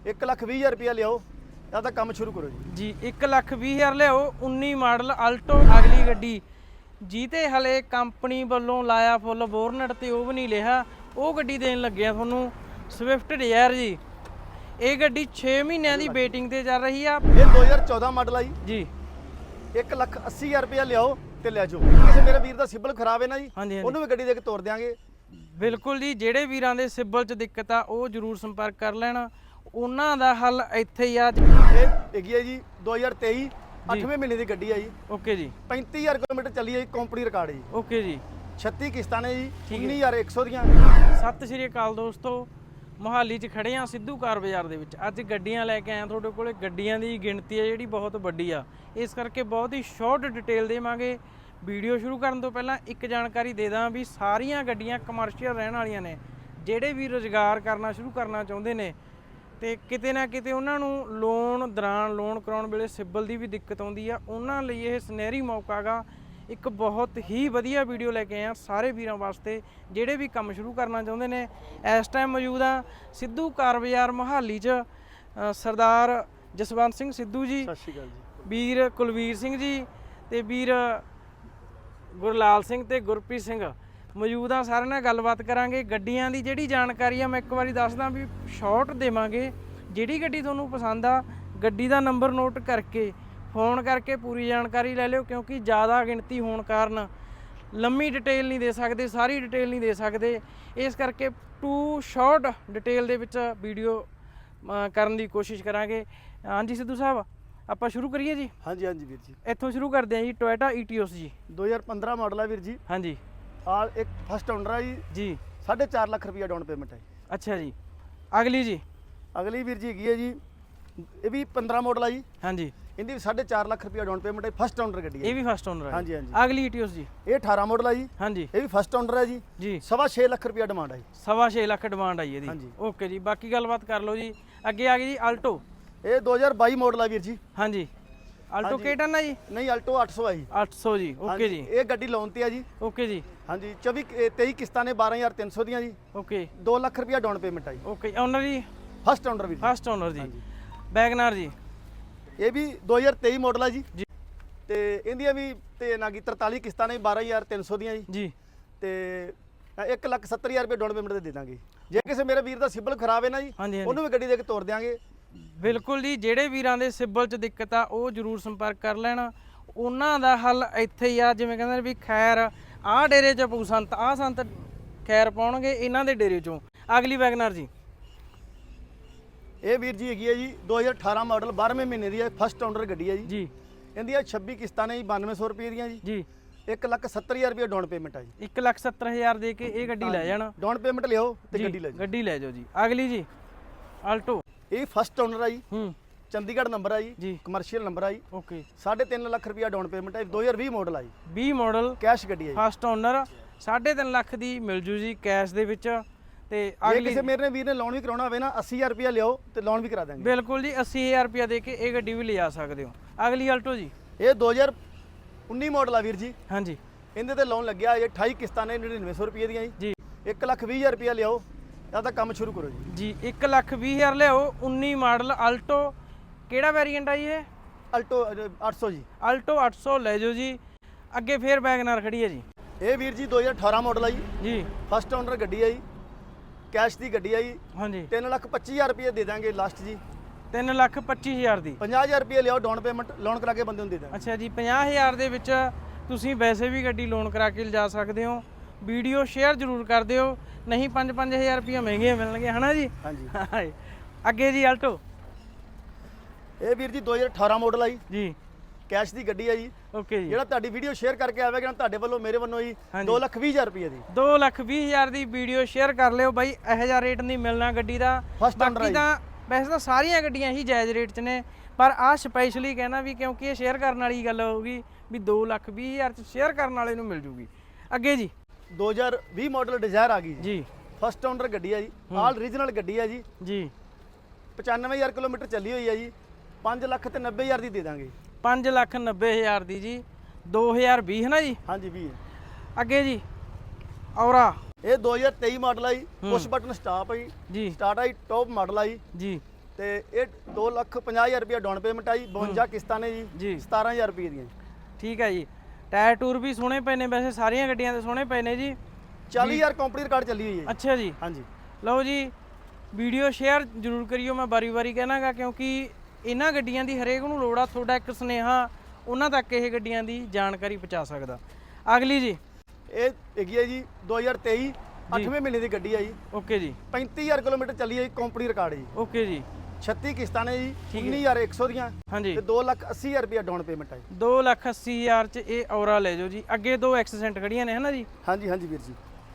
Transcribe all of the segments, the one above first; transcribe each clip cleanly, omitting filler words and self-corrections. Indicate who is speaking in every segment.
Speaker 1: 1,20,000 रुपया लियाओ या तो काम शुरू करो
Speaker 2: जी 1,20,000 लियाओ 19 मॉडल अल्टो अगली गड्डी जीते हले कंपनी वालों लाया फुल बोरनट ते ਉਹ ਵੀ ਨਹੀਂ ਲਿਆ ਉਹ ਗੱਡੀ ਦੇਣ ਲੱਗਿਆ ਤੁਹਾਨੂੰ ਸਵਿਫਟ ਡਿਜ਼ਾਇਰ ਜੀ। ਇਹ ਗੱਡੀ 6 ਮਹੀਨਿਆਂ ਦੀ ਵੇਟਿੰਗ ਤੇ ਚੱਲ ਰਹੀ ਆ।
Speaker 1: ਇਹ 2014 ਮਾਡਲ ਆ
Speaker 2: ਜੀ
Speaker 1: 1,80,000 रुपया लियाओ ਤੇ ਲੈ ਜਾਓ। ਕਿਸੇ ਮੇਰੇ ਵੀਰ ਦਾ ਸਿਬਲ ਖਰਾਬ ਹੈ ਨਾ ਜੀ ਉਹਨੂੰ ਵੀ ਗੱਡੀ ਦੇ ਕੇ ਤੋਰ ਦਿਆਂਗੇ।
Speaker 2: ਬਿਲਕੁਲ ਜੀ, ਜਿਹੜੇ ਵੀਰਾਂ ਦੇ ਸਿਬਲ 'ਚ ਦਿੱਕਤ ਆ ਉਹ ਜ਼ਰੂਰ ਸੰਪਰਕ ਕਰ ਲੈਣਾ, ਉਹਨਾਂ ਦਾ ਹੱਲ ਇੱਥੇ ਹੀ ਆ।
Speaker 1: ਇਹ ਹੈਗੀ ਹੈ ਜੀ 2023 8ਵੇਂ ਮਹੀਨੇ ਦੀ ਗੱਡੀ ਆ ਜੀ।
Speaker 2: ਓਕੇ ਜੀ
Speaker 1: 35,000 ਕਿਲੋਮੀਟਰ ਚੱਲੀ ਹੈ ਜੀ, ਕੰਪਨੀ ਰਿਕਾਰਡ ਜੀ।
Speaker 2: ਓਕੇ ਜੀ
Speaker 1: 36 ਕਿਸ਼ਤਾਂ ਨੇ ਜੀ 19,100 ਦੀਆਂ।
Speaker 2: ਸਤਿ ਸ਼੍ਰੀ ਅਕਾਲ ਦੋਸਤੋ, ਮੋਹਾਲੀ 'ਚ ਖੜੇ ਆ ਸਿੱਧੂ ਕਾਰ ਬਾਜ਼ਾਰ ਦੇ ਵਿੱਚ। ਅੱਜ ਗੱਡੀਆਂ ਲੈ ਕੇ ਆਇਆ ਤੁਹਾਡੇ ਕੋਲੇ। ਗੱਡੀਆਂ ਦੀ ਗਿਣਤੀ ਹੈ ਜਿਹੜੀ ਬਹੁਤ ਵੱਡੀ ਆ, ਇਸ ਕਰਕੇ ਬਹੁਤ ਹੀ ਸ਼ਾਰਟ ਡਿਟੇਲ ਦੇਵਾਂਗੇ। ਵੀਡੀਓ ਸ਼ੁਰੂ ਕਰਨ ਤੋਂ ਪਹਿਲਾਂ ਇੱਕ ਜਾਣਕਾਰੀ ਦੇ ਦਾਂ ਵੀ ਸਾਰੀਆਂ ਗੱਡੀਆਂ ਕਮਰਸ਼ੀਅਲ ਰਹਿਣ ਵਾਲੀਆਂ ਨੇ। ਜਿਹੜੇ ਵੀ ਰੁਜ਼ਗਾਰ ਕਰਨਾ ਸ਼ੁਰੂ ਕਰਨਾ ਚਾਹੁੰਦੇ ਨੇ ਤੇ ਕਿਤੇ ਨਾ ਕਿਤੇ ਉਹਨਾਂ ਨੂੰ ਲੋਨ ਦੌਰਾਨ ਲੋਨ ਕਰਾਉਣ ਵੇਲੇ ਸਿਬਲ ਦੀ ਵੀ ਦਿੱਕਤ ਆਉਂਦੀ ਆ, ਉਹਨਾਂ ਲਈ ਇਹ ਸੁਨਹਿਰੀ ਮੌਕਾ ਗਾ। ਇੱਕ ਬਹੁਤ ਹੀ ਵਧੀਆ ਵੀਡੀਓ ਲੈ ਕੇ ਆਏ ਆ ਸਾਰੇ ਵੀਰਾਂ ਵਾਸਤੇ ਜਿਹੜੇ ਵੀ ਕੰਮ ਸ਼ੁਰੂ ਕਰਨਾ ਚਾਹੁੰਦੇ ਨੇ। ਇਸ ਟਾਈਮ ਮੌਜੂਦ ਆ ਸਿੱਧੂ ਕਾਰ ਬਾਜ਼ਾਰ ਮੋਹਾਲੀ 'ਚ। ਸਰਦਾਰ ਜਸਵੰਤ ਸਿੰਘ ਸਿੱਧੂ ਜੀ,
Speaker 1: ਸਤਿ ਸ਼੍ਰੀ ਅਕਾਲ ਜੀ,
Speaker 2: ਵੀਰ ਕੁਲਵੀਰ ਸਿੰਘ ਜੀ ਤੇ ਵੀਰ ਗੁਰਲਾਲ ਸਿੰਘ ਤੇ ਗੁਰਪ੍ਰੀਤ ਸਿੰਘ ਮੌਜੂਦ ਆ। ਸਾਰਿਆਂ ਨਾਲ ਗੱਲਬਾਤ ਕਰਾਂਗੇ। ਗੱਡੀਆਂ ਦੀ ਜਿਹੜੀ ਜਾਣਕਾਰੀ ਆ ਮੈਂ ਇੱਕ ਵਾਰੀ ਦੱਸਦਾ ਵੀ ਸ਼ਾਰਟ ਦੇਵਾਂਗੇ। ਜਿਹੜੀ ਗੱਡੀ ਤੁਹਾਨੂੰ ਪਸੰਦ ਆ ਗੱਡੀ ਦਾ ਨੰਬਰ ਨੋਟ ਕਰਕੇ ਫੋਨ ਕਰਕੇ ਪੂਰੀ ਜਾਣਕਾਰੀ ਲੈ ਲਿਓ, ਕਿਉਂਕਿ ਜ਼ਿਆਦਾ ਗਿਣਤੀ ਹੋਣ ਕਾਰਨ ਲੰਮੀ ਡਿਟੇਲ ਨਹੀਂ ਦੇ ਸਕਦੇ, ਸਾਰੀ ਡਿਟੇਲ ਨਹੀਂ ਦੇ ਸਕਦੇ। ਇਸ ਕਰਕੇ ਟੂ ਸ਼ਾਰਟ ਡਿਟੇਲ ਦੇ ਵਿੱਚ ਵੀਡੀਓ ਕਰਨ ਦੀ ਕੋਸ਼ਿਸ਼ ਕਰਾਂਗੇ। ਹਾਂਜੀ ਸਿੱਧੂ ਸਾਹਿਬ, ਆਪਾਂ ਸ਼ੁਰੂ ਕਰੀਏ ਜੀ।
Speaker 1: ਹਾਂਜੀ ਹਾਂਜੀ ਵੀਰ ਜੀ,
Speaker 2: ਇੱਥੋਂ ਸ਼ੁਰੂ ਕਰਦੇ ਹਾਂ ਜੀ। ਟੋਇਟਾ ਈਟੀਓਸ ਜੀ
Speaker 1: 2015 ਮਾਡਲ ਆ ਵੀਰ ਜੀ।
Speaker 2: ਹਾਂਜੀ
Speaker 1: ਆਲ ਇੱਕ ਫਸਟ ਓਨਰ ਆ ਜੀ।
Speaker 2: ਜੀ
Speaker 1: 4.5 ਲੱਖ ਰੁਪਇਆ ਡਾਊਨ ਪੇਮੈਂਟ ਹੈ।
Speaker 2: ਅੱਛਾ ਜੀ। ਅਗਲੀ ਜੀ
Speaker 1: ਅਗਲੀ ਵੀਰ ਜੀ ਹੈਗੀ ਹੈ ਜੀ, ਇਹ ਵੀ 15 ਮਾਡਲ ਆ ਜੀ।
Speaker 2: ਹਾਂਜੀ
Speaker 1: ਇਹਦੀ ਵੀ 4.5 ਲੱਖ ਰੁਪਇਆ ਡਾਊਨ ਪੇਮੈਂਟ ਹੈ। ਫਸਟ ਓਨਰ ਗੱਡੀ ਹੈ।
Speaker 2: ਇਹ ਵੀ ਫਸਟ ਓਨਰ ਹੈ।
Speaker 1: ਹਾਂਜੀ ਹਾਂਜੀ।
Speaker 2: ਅਗਲੀ ਈਟੀਓਸ ਜੀ
Speaker 1: ਇਹ 18 ਮਾਡਲ ਆ ਜੀ।
Speaker 2: ਹਾਂਜੀ
Speaker 1: ਇਹ ਵੀ ਫਸਟ ਓਨਰ ਹੈ ਜੀ।
Speaker 2: ਜੀ
Speaker 1: 6.5 ਲੱਖ ਰੁਪਇਆ ਡਿਮਾਂਡ ਹੈ ਜੀ।
Speaker 2: 6.5 ਲੱਖ ਡਿਮਾਂਡ ਆਈ ਇਹਦੀ।
Speaker 1: ਹਾਂਜੀ।
Speaker 2: ਓਕੇ ਜੀ, ਬਾਕੀ ਗੱਲਬਾਤ ਕਰ ਲਓ ਜੀ। ਅੱਗੇ ਆ ਗਈ ਜੀ ਅਲਟੋ।
Speaker 1: ਇਹ 2022 ਮਾਡਲ ਆ ਵੀਰ ਜੀ।
Speaker 2: ਹਾਂਜੀ ਅਲਟੋ ਕਿਹਟਨ ਆ ਜੀ?
Speaker 1: ਨਹੀਂ ਅਲਟੋ 800 ਆ ਜੀ।
Speaker 2: 800 ਜੀ। ਓਕੇ ਜੀ।
Speaker 1: ਇਹ ਗੱਡੀ ਲੋਨ ਤੇ ਆ ਜੀ।
Speaker 2: ਓਕੇ ਜੀ।
Speaker 1: ਹਾਂਜੀ 23 ਕਿਸ਼ਤਾਂ ਨੇ 12,300 ਦੀਆਂ ਜੀ।
Speaker 2: ਓਕੇ
Speaker 1: 2 ਲੱਖ ਰੁਪਇਆ ਡਾਊਨ ਪੇਮੈਂਟ ਆ ਜੀ।
Speaker 2: ਓਕੇ ਓਨਰ ਜੀ?
Speaker 1: ਫਸਟ ਓਨਰ ਵੀਰ ਜੀ।
Speaker 2: ਫਸਟ ਓਨਰ ਜੀ। ਵੈਗਨਾਰ ਜੀ
Speaker 1: ਇਹ ਵੀ 2023 ਮਾਡਲ ਆ ਜੀ।
Speaker 2: ਜੀ
Speaker 1: ਤੇ ਇਹਦੀਆਂ ਵੀ ਤੇ ਨਾ ਕੀ 43 ਕਿਸ਼ਤਾਂ ਨੇ 12,300 ਦੀਆਂ ਜੀ।
Speaker 2: ਜੀ
Speaker 1: ਤੇ 1,70,000 ਰੁਪਏ ਡਾਊਨ ਪੇਮੈਂਟ ਤੇ ਦੇ ਦਾਂਗੇ। ਜੇ ਕਿਸੇ ਮੇਰੇ ਵੀਰ ਦਾ ਸਿਬਲ ਖਰਾਬ ਹੈ ਨਾ ਜੀ
Speaker 2: ਹਾਂਜੀ
Speaker 1: ਉਹਨੂੰ ਵੀ ਗੱਡੀ ਦੇ ਕੇ ਤੋਰ ਦਿਆਂਗੇ।
Speaker 2: ਬਿਲਕੁਲ ਜੀ, ਜਿਹੜੇ ਵੀਰਾਂ ਦੇ ਸਿਬਲ 'ਚ ਦਿੱਕਤ ਆ ਉਹ ਜ਼ਰੂਰ ਸੰਪਰਕ ਕਰ ਲੈਣਾ, ਉਹਨਾਂ ਦਾ ਹੱਲ ਇੱਥੇ ਹੀ ਆ। ਜਿਵੇਂ ਕਹਿੰਦੇ ਨੇ ਵੀ ਖੈਰ ਆਹ ਡੇਰੇ 'ਚ ਪਊ ਸੰਤ, ਆਹ ਸੰਤ ਖੈਰ ਪਾਉਣਗੇ ਇਹਨਾਂ ਦੇ ਡੇਰੇ 'ਚੋਂ। ਅਗਲੀ ਵੈਗਨਰ ਜੀ।
Speaker 1: ਇਹ ਵੀਰ ਜੀ ਹੈਗੀ ਹੈ ਜੀ 2018 ਮਾਡਲ 12ਵੇਂ ਮਹੀਨੇ ਦੀ ਹੈ। ਫਸਟ ਓਨਰ ਗੱਡੀ ਹੈ ਜੀ।
Speaker 2: ਜੀ
Speaker 1: ਇਹਦੀਆਂ 26 ਕਿਸ਼ਤਾਂ ਨੇ ਜੀ 9200 ਰੁਪਏ ਦੀਆਂ ਜੀ।
Speaker 2: ਜੀ
Speaker 1: 1,70,000 ਰੁਪਏ ਡਾਊਨ ਪੇਮੈਂਟ ਆ ਜੀ।
Speaker 2: 1,70,000 ਦੇ ਕੇ ਇਹ ਗੱਡੀ ਲੈ ਜਾਣਾ।
Speaker 1: ਡਾਊਨ ਪੇਮੈਂਟ ਲਿਓ ਤੇ
Speaker 2: ਜੀ,
Speaker 1: ਗੱਡੀ ਲੈ ਜਾਓ।
Speaker 2: ਗੱਡੀ ਲੈ ਜਾਓ ਜੀ। ਅਗਲੀ ਜੀ ਆਲਟੋ।
Speaker 1: ਇਹ ਫਸਟ ਓਨਰ ਆ ਜੀ।
Speaker 2: ਹੂੰ
Speaker 1: ਚੰਡੀਗੜ੍ਹ ਨੰਬਰ ਆ
Speaker 2: ਜੀ।
Speaker 1: ਜੀ। ਕਮਰਸ਼ੀਅਲ ਨੰਬਰ ਆ ਜੀ।
Speaker 2: ਓਕੇ
Speaker 1: 3.5 ਲੱਖ ਰੁਪਇਆ ਡਾਊਨ ਪੇਮੈਂਟ ਹੈ। 2020 ਮਾਡਲ ਆ ਜੀ।
Speaker 2: 20 ਮਾਡਲ
Speaker 1: ਕੈਸ਼ ਗੱਡੀ ਹੈ ਜੀ।
Speaker 2: ਫਸਟ ਓਨਰ 3.5 ਲੱਖ ਦੀ ਮਿਲ ਜੂ ਜੀ ਕੈਸ਼ ਦੇ ਵਿੱਚ। ਤੇ
Speaker 1: ਜੇ
Speaker 2: ਅਗਲੀ
Speaker 1: ਕਿਸੇ ਮੇਰੇ ਵੀਰ ਨੇ ਲੋਨ ਵੀ ਕਰਾਉਣਾ ਹੋਵੇ ਨਾ 80,000 ਰੁਪਇਆ ਲਿਓ ਤੇ ਲੋਨ ਵੀ ਕਰਾ ਦਾਂਗੇ।
Speaker 2: ਬਿਲਕੁਲ ਜੀ 80,000 ਰੁਪਇਆ ਦੇ ਕੇ ਇਹ ਗੱਡੀ ਵੀ ਲਿਜਾ ਸਕਦੇ ਹੋ। ਅਗਲੀ ਆਲਟੋ ਜੀ।
Speaker 1: ਇਹ 2019 ਮਾਡਲ ਆ ਵੀਰ ਜੀ।
Speaker 2: ਹਾਂਜੀ
Speaker 1: ਇਹਦੇ ਤੇ ਲੋਨ ਲੱਗਿਆ ਇਹ 28 ਕਿਸ਼ਤਾਂ ਨੇ 9900 ਰੁਪਏ ਦੀਆਂ ਜੀ।
Speaker 2: ਜੀ
Speaker 1: 1,20,000 ਰੁਪਇਆ ਲਿਓ ਜਾਂ ਤਾਂ ਕੰਮ ਸ਼ੁਰੂ ਕਰੋ ਜੀ।
Speaker 2: ਜੀ 1,20,000 ਲਿਆਓ। 19 ਮਾਡਲ ਆਲਟੋ। ਕਿਹੜਾ ਵੇਰੀਐਂਟ ਆ ਜੀ ਇਹ?
Speaker 1: ਅਲਟੋ 800 ਜੀ।
Speaker 2: ਆਲਟੋ 800 ਲੈ ਜਾਓ ਜੀ। ਅੱਗੇ ਫੇਰ ਵੈਗਨਰ ਖੜੀ ਹੈ ਜੀ।
Speaker 1: ਇਹ ਵੀਰ ਜੀ 2018 ਮਾਡਲ ਆ ਜੀ।
Speaker 2: ਜੀ
Speaker 1: ਫਸਟ ਓਨਰ ਗੱਡੀ ਆ ਜੀ। ਕੈਸ਼ ਦੀ ਗੱਡੀ ਆ ਜੀ।
Speaker 2: ਹਾਂਜੀ
Speaker 1: 3,25,000 ਰੁਪਏ ਦੇ ਦਾਂਗੇ ਲਾਸਟ ਜੀ।
Speaker 2: 3,25,000 ਦੀ।
Speaker 1: 50,000 ਰੁਪਏ ਲਿਆਓ ਡਾਊਨ ਪੇਮੈਂਟ ਲੋਨ ਕਰਾ ਕੇ ਬੰਦੇ ਨੂੰ ਦੇ ਦਾਂਗੇ।
Speaker 2: ਅੱਛਾ ਜੀ 50,000 ਦੇ ਵਿੱਚ ਤੁਸੀਂ ਵੈਸੇ ਵੀ ਗੱਡੀ ਲੋਨ ਕਰਾ ਕੇ ਲਿਜਾ ਸਕਦੇ ਹੋ। ਵੀਡੀਓ ਸ਼ੇਅਰ ਜ਼ਰੂਰ ਕਰ ਦਿਓ, ਨਹੀਂ 5-5000 ਰੁਪਏ ਮਹਿੰਗੇ ਮਿਲਣਗੇ ਹਨਾ ਜੀ।
Speaker 1: ਹਾਂਜੀ
Speaker 2: ਅੱਗੇ ਜੀ ਆਲਟੋ।
Speaker 1: ਇਹ ਵੀਰ ਜੀ 2018 ਮਾਡਲ ਆ ਜੀ।
Speaker 2: ਜੀ
Speaker 1: ਕੈਸ਼ ਦੀ ਗੱਡੀ ਆ ਜੀ।
Speaker 2: ਓਕੇ ਜੀ।
Speaker 1: ਜਿਹੜਾ ਤੁਹਾਡੀ ਵੀਡੀਓ ਸ਼ੇਅਰ ਕਰਕੇ ਆਵੇਗਾ ਨਾ ਤੁਹਾਡੇ ਵੱਲੋਂ ਮੇਰੇ ਵੱਲੋਂ ਜੀ 2,20,000 ਰੁਪਏ ਦੀ।
Speaker 2: 2,20,000 ਦੀ ਵੀਡੀਓ ਸ਼ੇਅਰ ਕਰ ਲਿਓ ਬਾਈ। ਇਹੋ ਜਿਹਾ ਰੇਟ ਨਹੀਂ ਮਿਲਣਾ ਗੱਡੀ ਦਾ। ਬਾਕੀ ਤਾਂ ਵੈਸੇ ਤਾਂ ਸਾਰੀਆਂ ਗੱਡੀਆਂ ਹੀ ਜਾਇਜ਼ ਰੇਟ 'ਚ ਨੇ, ਪਰ ਆਹ ਸਪੈਸ਼ਲੀ ਕਹਿਣਾ ਵੀ ਕਿਉਂਕਿ ਇਹ ਸ਼ੇਅਰ ਕਰਨ ਵਾਲੀ ਗੱਲ ਹੋਊਗੀ ਵੀ 2,20,000 'ਚ ਸ਼ੇਅਰ ਕਰਨ ਵਾਲੇ ਨੂੰ ਮਿਲ ਜੂਗੀ। ਅੱਗੇ ਜੀ
Speaker 1: 2020 ਮਾਡਲ ਡਿਜ਼ਾਇਰ ਆ ਗਈ
Speaker 2: ਜੀ।
Speaker 1: ਫਸਟ ਓਨਰ ਗੱਡੀ ਆ ਜੀ। ਆਲ ਰੀਜਨਲ ਗੱਡੀ ਆ ਜੀ।
Speaker 2: ਜੀ
Speaker 1: 95,000 ਕਿਲੋਮੀਟਰ ਚੱਲੀ ਹੋਈ ਆ ਜੀ। 5,90,000 ਦੀ ਦੇ ਦਾਂਗੇ।
Speaker 2: 5,90,000 ਦੀ ਜੀ। 2020 ਹੈ ਨਾ ਜੀ।
Speaker 1: ਹਾਂਜੀ ਵੀ
Speaker 2: ਅੱਗੇ ਜੀ ਔਰਾ।
Speaker 1: ਇਹ 2023 ਮਾਡਲ ਆ ਜੀ। ਪੁਸ਼ ਬਟਨ ਸਟਾਪ ਆ ਜੀ।
Speaker 2: ਜੀ
Speaker 1: ਸਟਾਰਟ ਆ ਜੀ। ਟੌਪ ਮਾਡਲ ਆ ਜੀ।
Speaker 2: ਜੀ
Speaker 1: ਤੇ ਇਹ 2,50,000 ਰੁਪਏ ਡਾਊਨ ਪੇਮੈਂਟ ਆਈ 52 ਕਿਸ਼ਤਾਂ ਨੇ ਜੀ 17,000 ਰੁਪਏ ਦੀਆਂ।
Speaker 2: ਠੀਕ ਹੈ ਜੀ। ਟਾਇਰ ਟੂਰ ਵੀ ਸੋਹਣੇ ਪਏ ਨੇ, ਵੈਸੇ ਸਾਰੀਆਂ ਗੱਡੀਆਂ ਦੇ ਸੋਹਣੇ ਪਏ ਨੇ ਜੀ।
Speaker 1: 40,000 ਕੰਪਨੀ ਰਿਕਾਰਡ ਚੱਲੀ ਹੋਈ ਹੈ।
Speaker 2: ਅੱਛਾ ਜੀ।
Speaker 1: ਹਾਂਜੀ
Speaker 2: ਲਓ ਜੀ, ਵੀਡੀਓ ਸ਼ੇਅਰ ਜ਼ਰੂਰ ਕਰਿਓ, ਮੈਂ ਵਾਰੀ-ਵਾਰੀ ਕਹਿਣਾਗਾ, ਕਿਉਂਕਿ ਇਹਨਾਂ ਗੱਡੀਆਂ ਦੀ ਹਰੇਕ ਨੂੰ ਲੋੜ ਆ। ਤੁਹਾਡਾ ਇੱਕ ਸੁਨੇਹਾ ਉਹਨਾਂ ਤੱਕ ਇਹ ਗੱਡੀਆਂ ਦੀ ਜਾਣਕਾਰੀ ਪਹੁੰਚਾ ਸਕਦਾ। ਅਗਲੀ ਜੀ,
Speaker 1: ਇਹ ਹੈਗੀ ਹੈ ਜੀ 2023 8ਵੇਂ ਮਹੀਨੇ ਦੀ ਗੱਡੀ ਹੈ ਜੀ।
Speaker 2: ਓਕੇ ਜੀ।
Speaker 1: 35,000 ਕਿਲੋਮੀਟਰ ਚੱਲੀ ਹੈ ਜੀ, ਕੰਪਨੀ ਰਿਕਾਰਡ ਜੀ।
Speaker 2: ਓਕੇ ਜੀ।
Speaker 1: 36 ਕਿਸ਼ਤਾਂ ਨੇ ਜੀ 19,100 ਦੀਆਂ
Speaker 2: ਹਾਂਜੀ
Speaker 1: ਤੇ 2,80,000 ਰੁਪਏ ਡਾਊਨ ਪੇਮੈਂਟ ਹੈ।
Speaker 2: 2,80,000 ਚ ਇਹ ਔਰਾ ਲੈ ਜਾਓ ਜੀ। ਅੱਗੇ 2 ਐਕਸੀਡੈਂਟ ਖੜੀਆਂ ਨੇ, ਹਨਾ ਜੀ?
Speaker 1: ਹਾਂਜੀ ਹਾਂਜੀ ਵੀਰ ਜੀ।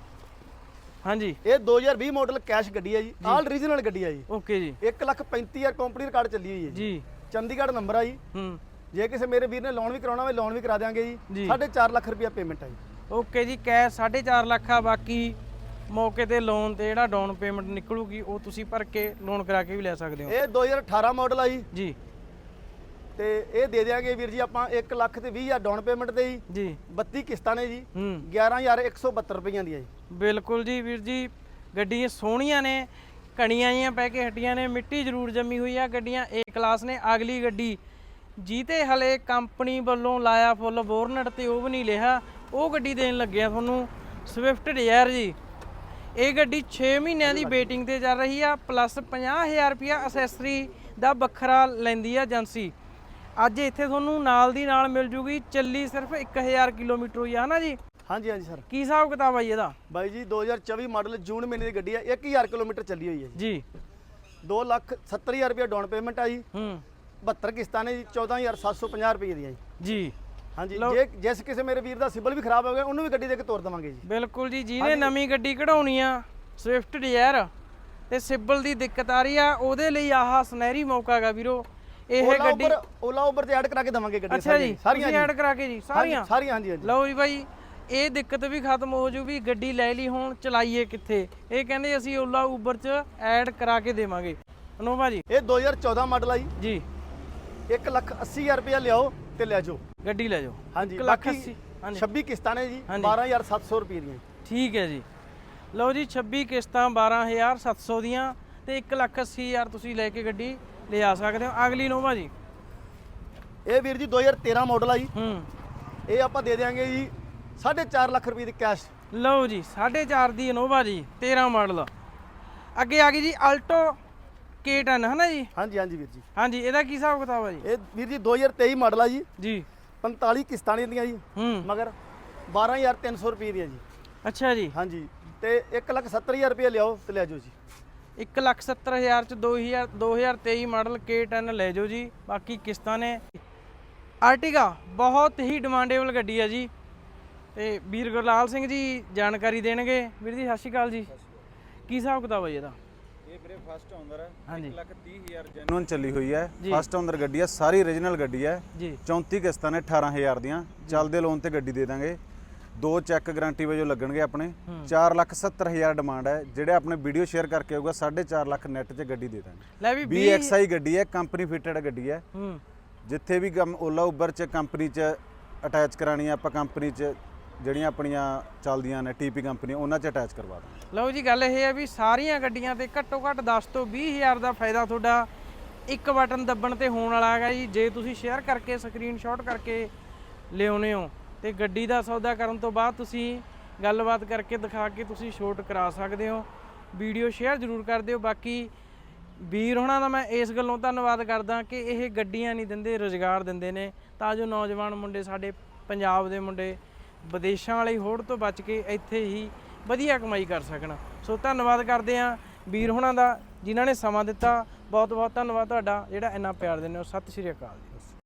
Speaker 2: ਹਾਂਜੀ,
Speaker 1: ਇਹ 2020 ਮਾਡਲ ਕੈਸ਼ ਗੱਡੀ ਹੈ ਜੀ, ਆਲ ਰੀਜਨਲ ਗੱਡੀ ਹੈ ਜੀ।
Speaker 2: ਓਕੇ ਜੀ।
Speaker 1: 1,35,000 ਕੰਪਨੀ ਰਿਕਾਰਡ ਚੱਲੀ ਹੋਈ ਹੈ
Speaker 2: ਜੀ।
Speaker 1: ਚੰਡੀਗੜ੍ਹ ਨੰਬਰ ਆ ਜੀ। ਜੇ ਕਿਸੇ ਮੇਰੇ ਵੀਰ ਨੇ ਲੋਨ ਵੀ ਕਰਾਉਣਾ ਹੋਵੇ ਲੋਨ ਵੀ ਕਰਾ ਦਿਆਂਗੇ ਜੀ। 4.5 ਲੱਖ ਰੁਪਏ ਪੇਮੈਂਟ ਹੈ ਜੀ।
Speaker 2: ਓਕੇ ਜੀ। ਕੈਸ਼ 4.5 ਲੱਖ ਆ, ਬਾਕੀ ਮੌਕੇ ਤੇ ਲੋਨ ਤੇ ਜਿਹੜਾ ਡਾਊਨ ਪੇਮੈਂਟ ਨਿਕਲੂਗੀ ਉਹ ਤੁਸੀਂ ਭਰ ਕੇ ਲੋਨ ਕਰਾ ਕੇ ਵੀ ਲੈ ਸਕਦੇ ਹੋ।
Speaker 1: ਇਹ 2018 ਮਾਡਲ ਆ ਜੀ।
Speaker 2: ਜੀ।
Speaker 1: ਤੇ ਇਹ ਦੇ ਦਿਆਂਗੇ ਵੀਰ ਜੀ ਆਪਾਂ 1,20,000 ਡਾਊਨ ਪੇਮੈਂਟ ਤੇ
Speaker 2: ਜੀ।
Speaker 1: 32 ਕਿਸ਼ਤਾਂ ਨੇ ਜੀ 11,172 ਰੁਪਈਆਂ ਦੀਆਂ ਜੀ।
Speaker 2: ਬਿਲਕੁਲ ਜੀ ਵੀਰ ਜੀ, ਗੱਡੀਆਂ ਸੋਹਣੀਆਂ ਨੇ, ਕਣੀਆਂ ਜੀਆਂ ਪੈ ਕੇ ਹਟੀਆਂ ਨੇ, ਮਿੱਟੀ ਜ਼ਰੂਰ ਜੰਮੀ ਹੋਈ ਆ, ਗੱਡੀਆਂ ਏ ਕਲਾਸ ਨੇ। ਅਗਲੀ ਗੱਡੀ ਜੀਤੇ ਹਲੇ ਕੰਪਨੀ ਵੱਲੋਂ ਲਾਇਆ ਫੁੱਲ ਬੋਰਨਟ ਤੇ ਉਹ ਵੀ ਨਹੀਂ ਲਿਆ, ਉਹ ਗੱਡੀ ਦੇਣ ਲੱਗਿਆ ਤੁਹਾਨੂੰ, ਸਵਿਫਟ ਡਿਜ਼ਾਇਰ ਜੀ। ਇਹ ਗੱਡੀ 6 ਮਹੀਨਿਆਂ ਦੀ ਵੇਟਿੰਗ ਤੇ ਚੱਲ ਰਹੀ ਆ, ਪਲੱਸ 50,000 ਰੁਪਇਆ ਅਸੈਸਰੀ ਦਾ ਵੱਖਰਾ ਲੈਂਦੀ ਆ ਏਜੰਸੀ। ਅੱਜ ਇੱਥੇ ਤੁਹਾਨੂੰ ਨਾਲ ਦੀ ਨਾਲ ਮਿਲ ਜੂਗੀ, ਚੱਲੀ ਸਿਰਫ 1,000 ਕਿਲੋਮੀਟਰ ਹੋਈ ਆ ਨਾ ਜੀ?
Speaker 1: ਹਾਂਜੀ ਹਾਂਜੀ ਸਰ।
Speaker 2: ਕੀ ਹਿਸਾਬ ਕਿਤਾਬ ਆ ਜੀ ਇਹਦਾ?
Speaker 1: ਬਾਈ ਜੀ 2024 ਮਾਡਲ ਜੂਨ ਮਹੀਨੇ ਦੀ ਗੱਡੀ ਹੈ, 1,000 ਕਿਲੋਮੀਟਰ ਚੱਲੀ ਹੋਈ ਹੈ
Speaker 2: ਜੀ।
Speaker 1: 2,70,000 ਰੁਪਏ ਡਾਊਨ ਪੇਮੈਂਟ ਆ ਜੀ। 72 ਕਿਸ਼ਤਾਂ ਨੇ ਜੀ 14,750 ਰੁਪਏ ਦੀਆਂ ਜੀ। ਹਾਂਜੀ। ਜੇ ਜਿਸ ਕਿਸੇ ਮੇਰੇ ਵੀਰ ਦਾ ਸਿਬਲ ਵੀ ਖਰਾਬ ਹੋ ਗਿਆ ਉਹਨੂੰ ਵੀ ਗੱਡੀ ਦੇ ਕੇ ਤੋਰ ਦੇਵਾਂਗੇ ਜੀ।
Speaker 2: ਬਿਲਕੁਲ ਜੀ। ਜਿਹਨੇ ਨਵੀਂ ਗੱਡੀ ਕਢਾਉਣੀ ਆ ਸਵਿਫਟ ਡਿਜ਼ਾਇਰ ਤੇ ਸਿਬਲ ਦੀ ਦਿੱਕਤ ਆ ਰਹੀ ਆ, ਉਹਦੇ ਲਈ ਆਹ ਸੁਨਹਿਰੀ ਮੌਕਾ ਗਾ ਵੀਰੋ। ਇਹ ਗੱਡੀ
Speaker 1: ਓਲਾ ਉਬਰ ਤੇ ਐਡ ਕਰਾ ਕੇ ਦਵਾਂਗੇ ਗੱਡੀ
Speaker 2: ਅੱਛਾ ਜੀ, ਸਾਰੀਆਂ ਐਡ ਕਰਾ ਕੇ ਜੀ? ਸਾਰੀਆਂ
Speaker 1: ਸਾਰੀਆਂ ਹਾਂਜੀ ਹਾਂਜੀ।
Speaker 2: ਲਓ ਜੀ ਬਾਈ, ਇਹ ਦਿੱਕਤ ਵੀ ਖਤਮ ਹੋ ਜੂ ਵੀ ਗੱਡੀ ਲੈ ਲਈ, ਹੁਣ ਚਲਾਈਏ ਕਿੱਥੇ? ਇਹ ਕਹਿੰਦੇ ਅਸੀਂ ਓਲਾ ਉਬਰ ਚ ਐਡ ਕਰਾ ਕੇ ਦੇਵਾਂਗੇ। ਅਨੋਵਾ ਜੀ
Speaker 1: ਇਹ 2014 ਮਾਡਲ ਆ
Speaker 2: ਜੀ।
Speaker 1: 1,80,000 ਰੁਪਏ ਲਿਆਓ ਤੇ ਲੈ ਜਾਓ,
Speaker 2: ਗੱਡੀ ਲੈ ਜਾਓ।
Speaker 1: ਹਾਂਜੀ।
Speaker 2: 1,80,000
Speaker 1: 26 ਕਿਸ਼ਤਾਂ ਨੇ ਜੀ 12,700 ਰੁਪਏ ਦੀਆਂ।
Speaker 2: ਠੀਕ ਹੈ ਜੀ। ਲਓ ਜੀ, 26 ਕਿਸ਼ਤਾਂ 12,700 ਦੀਆਂ ਤੇ 1,80,000 ਤੁਸੀਂ ਲੈ ਕੇ ਗੱਡੀ ਲਿਆ ਸਕਦੇ ਹੋ। ਅਗਲੀ ਨੋਵਾ ਜੀ।
Speaker 1: ਇਹ ਵੀਰ ਜੀ 2013 ਮਾਡਲ ਆ ਜੀ। ਇਹ ਆਪਾਂ ਦੇ ਦੇਾਂਗੇ ਜੀ 4.5 ਲੱਖ ਰੁਪਏ ਦੀ ਕੈਸ਼।
Speaker 2: ਲਓ ਜੀ, 4.5 ਦੀ ਇਨੋਵਾ ਜੀ, 13 ਮਾਡਲ। ਅੱਗੇ ਆ ਗਈ ਜੀ ਆਲਟੋ K10, ਹੈ ਨਾ ਜੀ?
Speaker 1: ਹਾਂਜੀ ਹਾਂਜੀ ਵੀਰ ਜੀ।
Speaker 2: ਹਾਂਜੀ, ਇਹਦਾ ਕੀ ਹਿਸਾਬ ਕਿਤਾਬ ਆ ਜੀ?
Speaker 1: ਇਹ ਵੀਰ ਜੀ 2023 ਮਾਡਲ ਆ ਜੀ।
Speaker 2: ਜੀ।
Speaker 1: 45 ਕਿਸ਼ਤਾਂ ਨੇ ਦੀਆਂ ਜੀ। ਮਗਰ 12,300 ਰੁਪਏ ਦੀਆਂ ਜੀ।
Speaker 2: ਅੱਛਾ ਜੀ।
Speaker 1: ਹਾਂਜੀ। ਤੇ 1,70,000 ਰੁਪਏ ਲਿਆਓ ਤੇ ਲੈ ਜਾਓ ਜੀ।
Speaker 2: 1,70,000 ਚ 2023 ਮਾਡਲ K10 ਲੈ ਜਾਓ ਜੀ। ਬਾਕੀ ਕਿਸ਼ਤਾਂ ਨੇ। ਆਰਟੀਗਾ ਬਹੁਤ ਹੀ ਡਿਮਾਂਡੇਬਲ ਗੱਡੀ ਆ ਜੀ, ਤੇ ਵੀਰ ਗੁਰਲਾਲ ਸਿੰਘ ਜੀ ਜਾਣਕਾਰੀ ਦੇਣਗੇ। ਵੀਰ ਜੀ ਸਤਿ ਸ਼੍ਰੀ ਅਕਾਲ ਜੀ। ਕੀ ਹਿਸਾਬ ਕਿਤਾਬ ਆ ਜੀ ਇਹਦਾ?
Speaker 3: ਇਹ ਵੀਰੇ ਫਸਟ ਓਨਰ ਹੈ।
Speaker 2: ਹਾਂਜੀ।
Speaker 3: 1,30,000 ਜੈਨੂਇਨ ਚੱਲੀ ਹੋਈ ਹੈ।
Speaker 2: ਜੀ।
Speaker 3: ਫਸਟ ਓਨਰ ਗੱਡੀ ਹੈ, ਸਾਰੀ ਓਰੀਜਨਲ ਗੱਡੀ ਹੈ
Speaker 2: ਜੀ।
Speaker 3: 34 ਕਿਸ਼ਤਾਂ ਨੇ 18,000 ਦੀਆਂ, ਚੱਲਦੇ ਲੋਨ ਤੇ ਗੱਡੀ ਦੇ ਦਾਂਗੇ। 2 ਚੈੱਕ ਗਾਰੰਟੀ ਵਜੋਂ ਲੱਗਣਗੇ ਆਪਣੇ। 4,70,000 ਡਿਮਾਂਡ ਹੈ। ਜਿਹੜੇ ਆਪਣੇ ਵੀਡੀਓ ਸ਼ੇਅਰ ਕਰਕੇ ਆਊਗਾ 4.5 ਲੱਖ ਨੈਟ 'ਚ ਗੱਡੀ ਦੇ ਦਾਂਗੇ।
Speaker 2: ਲੈ ਵੀ
Speaker 3: BXI ਗੱਡੀ ਹੈ, ਕੰਪਨੀ ਫਿਟਡ ਗੱਡੀ ਹੈ। ਜਿੱਥੇ ਵੀ ਓਲਾ ਉਬਰ 'ਚ ਕੰਪਨੀ 'ਚ ਅਟੈਚ ਕਰਾਣੀ ਆ ਆਪਾਂ, ਕੰਪਨੀ 'ਚ ਜਿਹੜੀਆਂ ਆਪਣੀਆਂ ਚੱਲਦੀਆਂ ਨੇ TP ਕੰਪਨੀ, ਉਹਨਾਂ 'ਚ ਅਟੈਚ ਕਰਵਾ ਦਾਂਗੇ।
Speaker 2: ਲਓ ਜੀ, ਗੱਲ ਇਹ ਹੈ ਵੀ ਸਾਰੀਆਂ ਗੱਡੀਆਂ ਤੇ ਘੱਟੋ ਘੱਟ 10 ਤੋਂ 20,000 ਦਾ ਫਾਇਦਾ ਤੁਹਾਡਾ ਇੱਕ ਬਟਨ ਦੱਬਣ ਤੇ ਹੋਣ ਵਾਲਾ ਹੈਗਾ ਜੀ। ਜੇ ਤੁਸੀਂ ਸ਼ੇਅਰ ਕਰਕੇ ਸਕਰੀਨਸ਼ਾਟ ਕਰਕੇ ਲਿਆਉਨੇ ਹੋ ਤੇ ਗੱਡੀ ਦਾ ਸੌਦਾ ਕਰਨ ਤੋਂ ਬਾਅਦ ਤੁਸੀਂ ਗੱਲਬਾਤ ਕਰਕੇ ਦਿਖਾ ਕੇ ਤੁਸੀਂ ਛੋਟ ਕਰਾ ਸਕਦੇ ਹੋ। ਵੀਡੀਓ ਸ਼ੇਅਰ ਜ਼ਰੂਰ ਕਰ ਦਿਓ। ਬਾਕੀ ਵੀਰ ਹੋਣਾ ਦਾ ਮੈਂ ਇਸ ਗੱਲੋਂ ਧੰਨਵਾਦ ਕਰਦਾ ਕਿ ਇਹ ਗੱਡੀਆਂ ਨਹੀਂ ਦਿੰਦੇ, ਰੁਜ਼ਗਾਰ ਦਿੰਦੇ ਨੇ, ਤਾਂ ਜੋ ਨੌਜਵਾਨ ਮੁੰਡੇ, ਸਾਡੇ ਪੰਜਾਬ ਦੇ ਮੁੰਡੇ ਵਿਦੇਸ਼ਾਂ ਵਾਲੀ ਹੋੜ ਤੋਂ ਬਚ ਕੇ ਇੱਥੇ ਹੀ ਵਧੀਆ ਕਮਾਈ ਕਰ ਸਕਣ। ਸੋ ਧੰਨਵਾਦ ਕਰਦੇ ਹਾਂ ਵੀਰ ਹੋਣਾ ਦਾ, ਜਿਨ੍ਹਾਂ ਨੇ ਸਮਾਂ ਦਿੱਤਾ। ਬਹੁਤ ਬਹੁਤ ਧੰਨਵਾਦ ਤੁਹਾਡਾ ਜਿਹੜਾ ਇੰਨਾ ਪਿਆਰ ਦਿੰਦੇ ਹੋ। ਸਤਿ ਸ਼੍ਰੀ ਅਕਾਲ ਜੀ।